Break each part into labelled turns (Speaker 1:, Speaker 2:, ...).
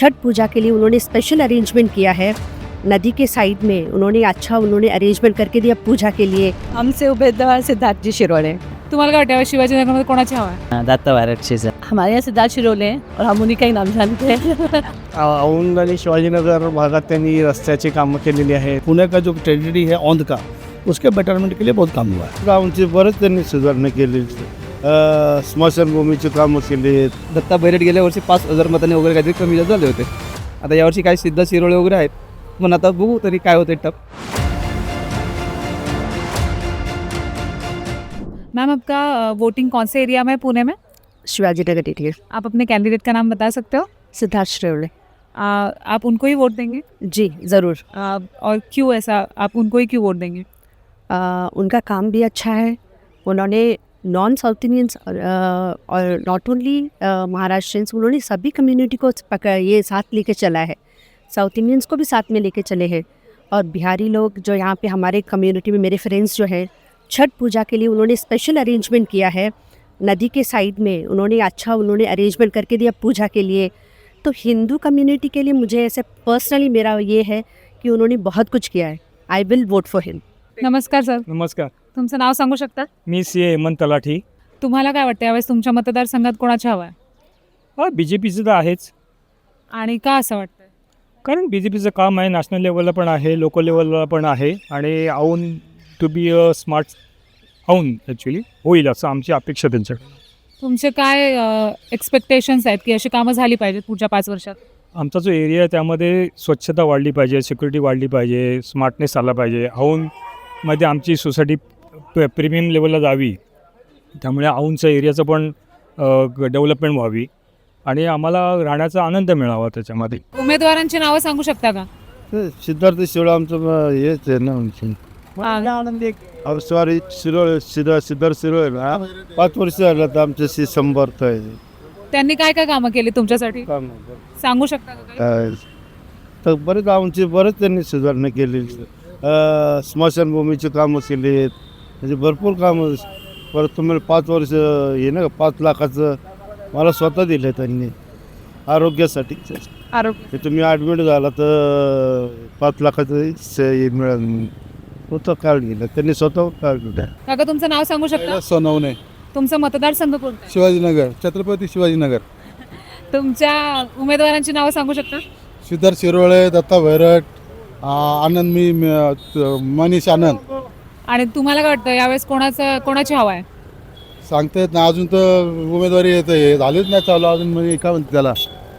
Speaker 1: छठ पूजा के लिए उन्होंने special arrangement KIA है। नदी के साइड में उन्होंने अरेंजमेंट करके दिया पूजा के लिए।
Speaker 2: आमचे उमेदवार सिद्धार्थजी शिरोळे।
Speaker 3: तुम्हाला काय वाटतं शिवाजीनगरमध्ये कोणाची हवा आहे?
Speaker 4: दत्ता भारतशीच
Speaker 2: हमारे यहाँ सिद्धार्थ शिरोळे हैं और हम उन्हीं का ही नाम जानते हैं।
Speaker 5: औंध आणि शिवाजीनगर भागात त्यांनी रस्त्याची कामं केलेली आहे। पुणे का जो ट्रेजेडी है औंध का, उसके बेटरमेंट के लिए बहुत काम हुआ है। गावची बरंच त्यांनी सुधारणा केली, स्मशानभूमीची कामं केली।
Speaker 6: दत्ता बैरट गेल्या वर्षी 5,000 मतांनी वगैरे काहीतरी कमी जास्त झाले होते। आता यावर्षी काही सिद्धार्थ शिरोळे वगैरे आहेत, पण आता बघू तरी काय होते टप।
Speaker 3: मैम आपका वोटिंग कौन से एरिया में है पुणे में?
Speaker 1: शिवाजी नगर एरिया।
Speaker 3: आप अपने कैंडिडेट का नाम बता सकते हो?
Speaker 1: सिद्धार्थ शिरोळे।
Speaker 3: आप उनको ही वोट देंगे?
Speaker 1: जी ज़रूर।
Speaker 3: और क्यों ऐसा, आप उनको ही क्यों वोट देंगे?
Speaker 1: उनका काम भी अच्छा है। उन्होंने नॉन साउथ इंडियंस और नॉट ओनली महाराष्ट्रियंस, उन्होंने सभी कम्युनिटी को ये साथ लेके चला है। साउथ इंडियंस को भी साथ में लेके चले हैं। और बिहारी लोग जो यहाँ पे हमारे कम्युनिटी में, मेरे फ्रेंड्स जो हैं, छठ पूजा के लिए उन्होंने स्पेशल अरेंजमेंट किया है। नदी के साइड में उन्होंने अरेंजमेंट करके दिया पूजा के लिए। तो हिंदू कम्युनिटी के लिए मुझे ऐसे पर्सनली मेरा ये है कि उन्होंने बहुत कुछ किया है। I will vote for him.
Speaker 3: नमस्कार सर,
Speaker 7: नमस्कार,
Speaker 3: तुमचं नाव सांगू शकता?
Speaker 7: मी सी हेमंत तलाठी।
Speaker 3: तुम्हाला काय वाटतं यावेळेस तुमच्या मतदारसंघात कोणाची हवा आहे?
Speaker 7: BJPचं तर आहेच,
Speaker 3: आणि का असं वाटतं?
Speaker 7: कारण BJPचं काम आहे, नॅशनल लेवलला पण आहे, लोकल लेवलला पण आहे, आणि Aundh to be a smart Aundh actually होईल असं आमची अपेक्षा त्यांच्याकडे।
Speaker 3: तुमचे काय एक्सपेक्टेशन्स आहेत की अशी कामं झाली पाहिजेत पुढच्या 5 वर्षात?
Speaker 7: आमचा जो एरिया आहे त्यामध्ये स्वच्छता वाढली पाहिजे, सिक्युरिटी वाढली पाहिजे, स्मार्टनेस आला पाहिजे। औनमध्ये आमची सोसायटी प्रीमियम लेवलला जावी, त्यामुळे औनच्या एरियाचं पण डेव्हलपमेंट व्हावी आणि आम्हाला राहण्याचा आनंद मिळावा त्याच्यामध्ये।
Speaker 3: उमेदवारांची नावं सांगू शकता का?
Speaker 5: सिद्धार्थ शिरोळे आमचं हेच आहे ना, सॉरी सिद्धार्थ शिरोळे ना 5 वर्ष झालं तर आमच्याशी संपर्क आहे।
Speaker 3: त्यांनी काय काय कामं केली तुमच्यासाठी सांगू शकता का काही?
Speaker 5: तर बरेच त्यांनी सुधारणा केली। स्मशानभूमीची कामं केली, म्हणजे भरपूर कामं। परत तुम्हाला 5 वर्ष हे ना 5 लाखाचं मला स्वतः दिलं त्यांनी आरोग्यासाठी।
Speaker 3: आरोग्य
Speaker 5: तुम्ही ॲडमिट झाला तर 5 लाखाचं हे मिळेल, होतं कार्ड गेलं त्यांनी स्वतः कार्ड दिलं।
Speaker 3: काका तुमचं नाव सांगू शकता?
Speaker 6: सोनवणे,
Speaker 3: तुमचा मतदारसंघ कोणता?
Speaker 6: शिवाजीनगर, छत्रपती शिवाजीनगर।
Speaker 3: तुमच्या उमेदवारांची नावं सांगू शकता?
Speaker 6: सिद्धार्थ शिरोळे, दत्ता बैरट, आनंद मनीष आनंद।
Speaker 3: आणि तुम्हाला काय वाटतं यावेळेस कोणाची हवा आहे?
Speaker 6: सांगता येत ना, अजून तर उमेदवारी येत हे झालीच नाही चालू अजून, म्हणजे काय म्हणते त्याला,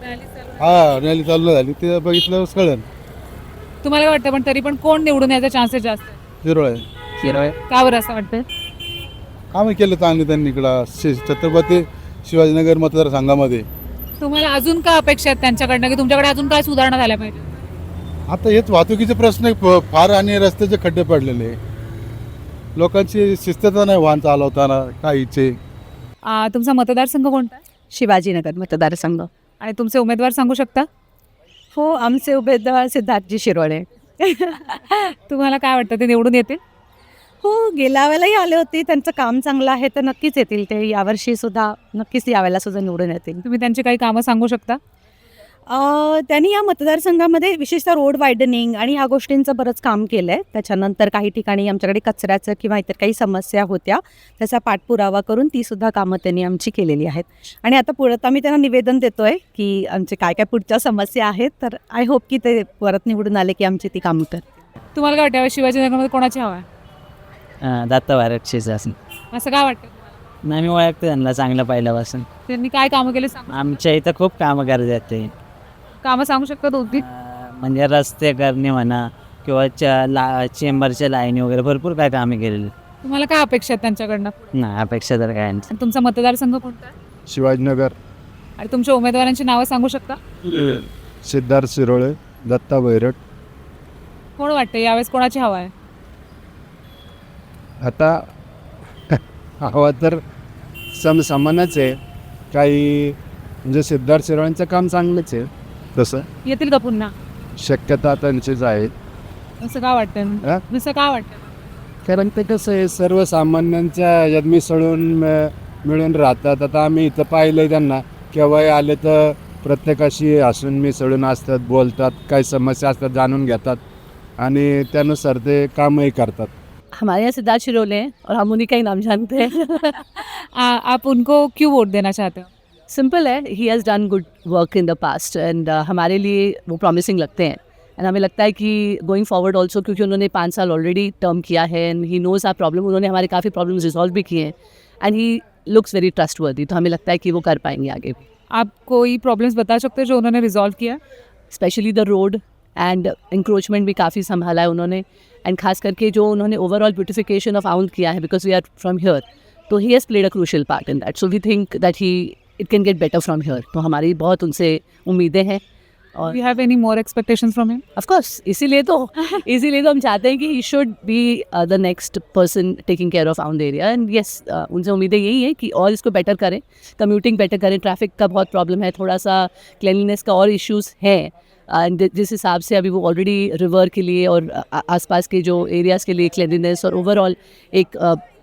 Speaker 6: रॅली चालू झाली ते बघितलं कळेल।
Speaker 3: तुम्हाला काय वाटतं पण तरी पण कोण निवडून याचा चान्सेस जास्त आहे?
Speaker 6: शिरोळे
Speaker 3: का बरं असं वाटतं?
Speaker 6: कामं केलं चांगली त्यांनी इकडं छत्रपती शिवाजीनगर मतदारसंघामध्ये।
Speaker 3: तुम्हाला अजून काय अपेक्षा आहेत त्यांच्याकडनं की तुमच्याकडे अजून काय सुधारणा झाल्या पाहिजे?
Speaker 6: आता हेच वाहतुकीचे प्रश्न फार आणि रस्त्याचे खड्डे पडलेले, लोकांची शिस्तता नाही वाहन चालवताना काहीचे।
Speaker 3: तुमचा मतदारसंघ कोणता आहे?
Speaker 2: शिवाजीनगर मतदारसंघ।
Speaker 3: आणि तुमचे उमेदवार सांगू शकता?
Speaker 2: हो, आमचे उमेदवार सिद्धार्थजी शिरोळे।
Speaker 3: तुम्हाला काय वाटतं ते निवडून येतील?
Speaker 2: हो, गेल्या वेळेलाही आले होते, त्यांचं काम चांगलं आहे तर नक्कीच येतील ते। यावर्षी सुद्धा नक्कीच यावेळेला सुद्धा निवडून येतील।
Speaker 3: तुम्ही त्यांची काही कामं सांगू शकता?
Speaker 2: त्यांनी या मतदारसंघामध्ये विशेषतः रोड वायडनिंग आणि ह्या गोष्टींचं बरंच काम केलं आहे। त्याच्यानंतर काही ठिकाणी आमच्याकडे कचऱ्याचं किंवा इतर काही समस्या होत्या, त्याचा पाठपुरावा करून तीसुद्धा कामं त्यांनी आमची केलेली आहेत। आणि आता पुढं आम्ही त्यांना निवेदन देतो आहे की आमचे काय काय पुढच्या समस्या आहेत, तर आय होप की ते परत निवडून आले की आमची ती कामं करतील।
Speaker 3: तुम्हाला काय वाटतं शिवाजीनगरमध्ये कोणाची हवा आहे?
Speaker 4: दत्ता भारतशीच असं
Speaker 3: असं काय वाटतं?
Speaker 4: नाही, मी ओळखते त्यांना चांगलं पहिल्यापासून।
Speaker 3: त्यांनी काय कामं केले सांग?
Speaker 4: आमच्या इथं खूप कामं करतात ते,
Speaker 3: कामं सांगू शकता दोघी?
Speaker 4: म्हणजे रस्ते करणे म्हणा किंवा चेंबरच्या लाईनी वगैरे भरपूर काय कामे केलेली।
Speaker 3: तुम्हाला काय अपेक्षा आहेत त्यांच्याकडनं?
Speaker 4: नाही, अपेक्षा तर काय नाही।
Speaker 3: आणि तुमचा मतदारसंघ कोणता आहे?
Speaker 5: शिवाजीनगर।
Speaker 3: आणि तुमच्या उमेदवारांची नावं सांगू शकता?
Speaker 5: सिद्धार्थ शिरोळे, दत्ता बैरट।
Speaker 3: कोण वाटतं यावेळेस कोणाची हवा आहे?
Speaker 5: आता हवा तर समसमानच आहे, काही म्हणजे सिद्धार्थ शिरोळेंचं काम चांगलंच आहे, तसं
Speaker 3: येतील का पुन्हा?
Speaker 5: शक्यता त्यांचीच आहे।
Speaker 3: असं का वाटतं? असं का वाटतं?
Speaker 5: कारण ते कसं आहे, सर्वसामान्यांच्या यात मिसळून मिळून राहतात। आता आम्ही इथं पाहिलं त्यांना, केव्हाही आले तर प्रत्येकाशी हसून मिसळून असतात, बोलतात, काही समस्या असतात जाणून घेतात आणि त्यानुसार ते कामही करतात.
Speaker 2: हमारे यहाँ सिद्धार्थ शिरोले हैं और हम उन्हीं का ही नाम जानते हैं.
Speaker 3: आप उनको क्यों वोट देना चाहते हो?
Speaker 2: सिंपल है, he has done good work in the past and हमारे लिए वो प्रॉमिसिंग लगते हैं. एंड हमें लगता है कि गोइंग फॉरवर्ड ऑल्सो, क्योंकि उन्होंने 5 साल ऑलरेडी टर्म किया है and he knows our problem. उन्होंने हमारे काफ़ी प्रॉब्लम्स रिजॉल्व भी किए हैं and he looks very trustworthy. तो हमें लगता है कि वो कर पाएंगे आगे भी.
Speaker 3: आप कोई प्रॉब्लम्स बता सकते हो जो उन्होंने रिजॉल्व किया?
Speaker 2: Specially the road and encroachment भी काफ़ी संभाला है उन्होंने. एंड खास करके जो उन्होंने ओवरऑल ब्यूटिफिकेशन ऑफ आउंड किया है, because we are from here, तो he has played a crucial part in that. So we think that he it can get better from here. तो हमारी बहुत उनसे उम्मीदें हैं. और
Speaker 3: you have any more expectations from him?
Speaker 2: Of course इसीलिए तो हम चाहते हैं कि he should be the next person taking care of Aundh area. And yes, उनसे उम्मीदें यही है कि और इसको बेटर करें, कम्यूटिंग बेटर करें. ट्रैफिक का बहुत प्रॉब्लम है, थोड़ा सा क्लिनलीनेस का और इश्यूज़ हैं. एंड जिस हिसाब से अभी वो ऑलरेडी रिवर के लिए और आसपास के जो एरियाज़ के लिए क्लिनलीनेस और ओवरऑल एक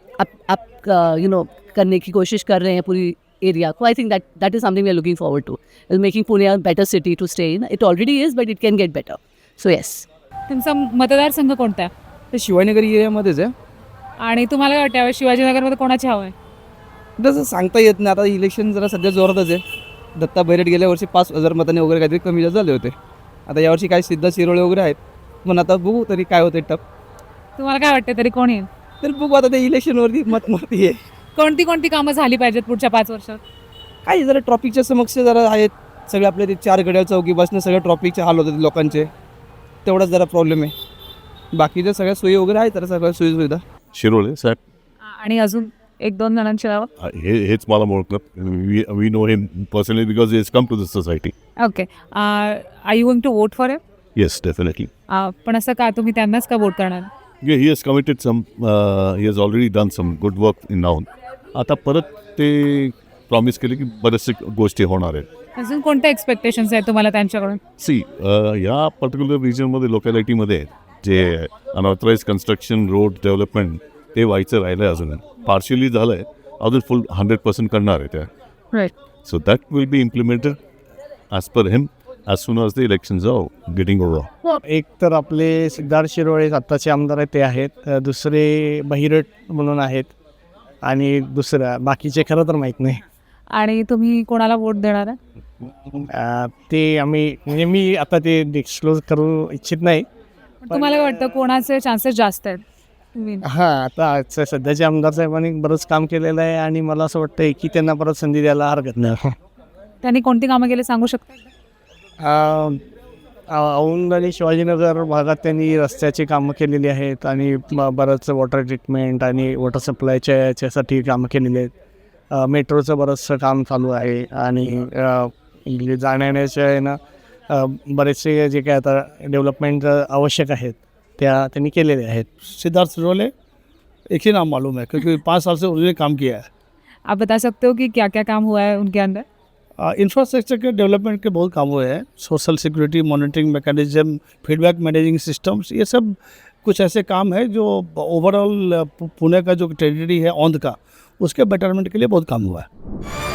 Speaker 2: अप करने की कोशिश कर रहे हैं पूरी एरिया को. I think that is something we are looking forward to, is making Pune a better city to stay in. It already is, but it can get better. So yes.
Speaker 3: तुमचा मतदारसंघ कोणता आहे?
Speaker 8: ते शिवाजीनगर एरियामध्येच आहे.
Speaker 3: आणि तुम्हाला काय वाटतं यावेळी शिवाजीनगरमध्ये कोणाची हवं आहे?
Speaker 8: तसं सांगता येत नाही. आता इलेक्शन जरा सध्या जोरातच आहे. दत्ता बैरट गेल्या वर्षी 5,000 मतांनी वगैरे काहीतरी कमी जास्त झाले होते. आता यावर्षी काही सिद्धार्थ शिरोळे वगैरे आहेत, पण आता बघू तरी काय होते टप.
Speaker 3: तुम्हाला काय वाटतं तरी कोण येईल?
Speaker 8: तर बघू आता ते इलेक्शनवरती मतमती आहे.
Speaker 3: कोणती कामं झाली पाहिजेत पुढच्या 5 वर्षात?
Speaker 8: काही जरा ट्रॉफिकच्या समस्या जरा आहेत. सगळे आपले ते 4 घड्याळ चौकीपासून सगळ्या ट्रॉफिकचे हाल होतात लोकांचे, तेवढाच जरा प्रॉब्लेम आहे. बाकीच्या सगळ्या सोयी वगैरे आहेत, तर सगळ्या सोयीसुविधा.
Speaker 9: शिरोळे साहेब
Speaker 3: आणि अजून 1-2 जणांची नावं?
Speaker 9: हेच मला ओळखलं. We know him personally because he is come to this society.
Speaker 3: Okay. Are you going to vote for him?
Speaker 9: Yes definitely.
Speaker 3: पण असं का, तुम्ही त्यांनाच का वोट करणार?
Speaker 9: He has committed some, he has already done some good work in Aundh. आता परत ते प्रॉमिस केले की बरेचसे गोष्टी होणार आहेत.
Speaker 3: अजून कोणत्या एक्सपेक्टेशन्स आहेत तुम्हाला त्यांच्याकडून?
Speaker 9: या पर्टिक्युलर रिजनमध्ये लोकॅलिटीमध्ये जे अनऑथराईज कन्स्ट्रक्शन रोड डेव्हलपमेंट ते व्हायचं राहिलं आहे. अजून पार्शियली झालं आहे, अजून फुल 100% करणार आहे त्या.
Speaker 3: Right.
Speaker 9: So that will be implemented as per him as soon as the elections are getting over.
Speaker 7: एक तर आपले सिद्धार्थ शिरोळे आत्ताचे आमदार आहेत ते आहेत, दुसरे बहिरट म्हणून आहेत, आणि दुसरं बाकीचे खरं तर माहीत नाही.
Speaker 3: आणि तुम्ही कोणाला वोट देणार आहे?
Speaker 7: ते आम्ही म्हणजे मी आता ते डिस्क्लोज करू इच्छित नाही.
Speaker 3: पण तुम्हाला काय वाटतं कोणाचे चान्सेस जास्त आहेत?
Speaker 7: हां, आता सध्याचे आमदार साहेबांनी बरंच काम केलेलं आहे आणि मला असं वाटतं की त्यांना परत संधी द्यायला हरकत नाही.
Speaker 3: त्यांनी कोणती कामं केली सांगू शकता?
Speaker 7: औंध आणि शिवाजीनगर भागात त्यांनी रस्त्याची कामं केलेली आहेत आणि बरंच वॉटर ट्रीटमेंट आणि वॉटर सप्लायच्या याच्यासाठी कामं केलेली आहेत. मेट्रोचं बरंचसं काम चालू आहे आणि जाण्याच्या यानं बरेचसे जे काय आता डेव्हलपमेंट आवश्यक आहेत त्या त्यांनी केलेले आहेत.
Speaker 10: सिद्धार्थ शिरोले एक ही नाम मालूम है क्योंकि 5 साल से उन्होंने काम किया है.
Speaker 3: आप बता सकते हो कि क्या क्या काम हुआ है उनके अंदर?
Speaker 10: इंफ्रास्ट्रक्चर के डेवलपमेंट के बहुत काम हुए हैं. Social security monitoring mechanism, feedback managing systems, ये सब कुछ ऐसे काम है जो ओवरऑल पुणे का जो टेरिटरी है औंध का, उसके बेटरमेंट के लिए बहुत काम हुआ है.